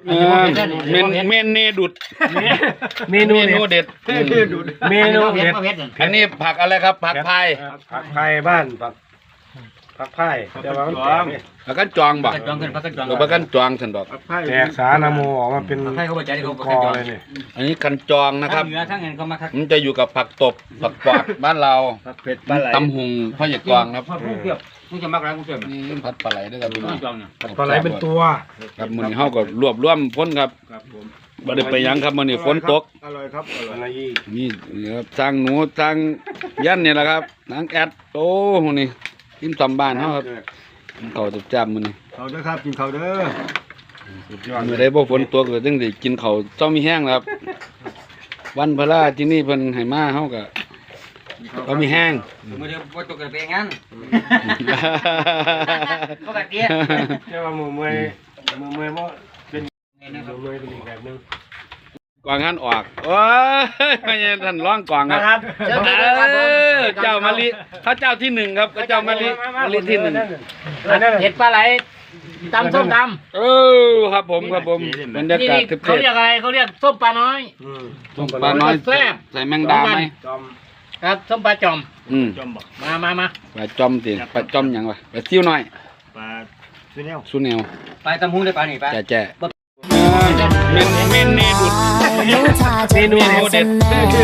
เมนเนดุดเมนูเด็ดอันนี้ผักอะไรครับผักพายผักพายบ้านผักพายแต่ว่ามันผักกันจองบ่ผักกันจองฉันบอกแตกสารโมออกมาเป็นกอเลยนี่อันนี้กันจองนะครับมันจะอยู่กับผักตบผักปอดบ้านเราตำหุงพ่อใหญ่กวางครับมึงจะมักอะไรกูเชื่อมั้ยนี่ผัดปลาไหลด้วยครับปลาไหลเป็นตัวครับมื้อนี้เฮาก็รวบรวมพ้นครับบ่ได้ไปหยังครับมื้อนี้ฝนตกอร่อยครับอร่อยนี่ครับสร้างหนูสร้างยันนี่แหละครับนางแอดโอ้มื้อนี้กินตำบ้านเฮาครับข้าวจับมื้อนี้ข้าวเด้อครับกินข้าวเด้อสุดยอดมื้อใดบ่ฝนตกก็จังได้กินข้าวเจ้ามีแห้งครับวันพระราที่นี่เพิ่นให้มาเฮาก็เขามีแห้งมือเดียวว่าตกกันไปงั้นก็แบบนี้ใช่ว่ามือเมย์ว่าเป็นมือเมย์เป็นอีกแบบนึงกวางหันออกโอ้ยไม่ใช่ท่านร้องกวางครับเจ้ามะลิพระเจ้าที่หนึ่งครับพระเจ้ามะลิที่หนึ่งเห็ดปลาไหลตำส้มตำครับผมบรรยากาศเขาเรียกอะไรเขาเรียกส้มปลาน้อยส้มปลาน้อยแซ่บใส่แมงดาไหมครับส้มปลาจอมมาปลาจอมสิปลาจอมยังวะปลาซิ่วน้อยปลาซูเนลปลาตำหูได้ปลานี่ปลาแจ่เมนเนดุดเมนูเด็ด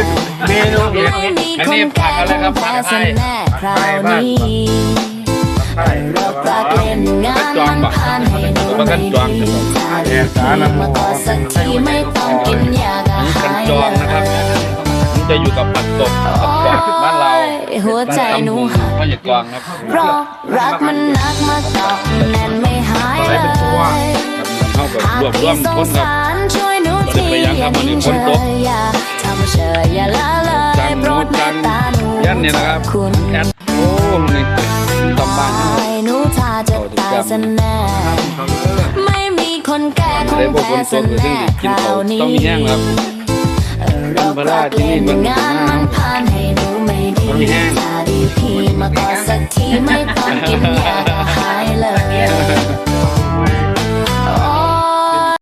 อันนี้ผักอะไรครับผักไทยบ้านผักจองบ่ผักกันจองแตกสารโมออันนี้กันจองนะครับมันจะอยู่กับผักตบผักกวาดบ้านเราหัวใจหนูหักพ่อใหญ่กวางครับเพราะรักมันนักมาเกาะแน่นไม่หายเลยเข้ากับรวบรวมพ้นครับช่วยหนูทีอย่าดิ้นเฉยอย่าทำเฉยอย่าละเลยโปรดเมตตาหนูยันเนี่ยนะครับแอดโอ้นี่ตำบ้านหนูถ้าจะตายซะแน่ไม่มีคนแก้คงแพ้ซะแน่คราวนี้ต้องมีแห้งครับเราปรับเปลี่ยนงานมันผ่านให้หนูไม่ดีถ้าดีพี่มาก็สักทีไม่ต้องกินยา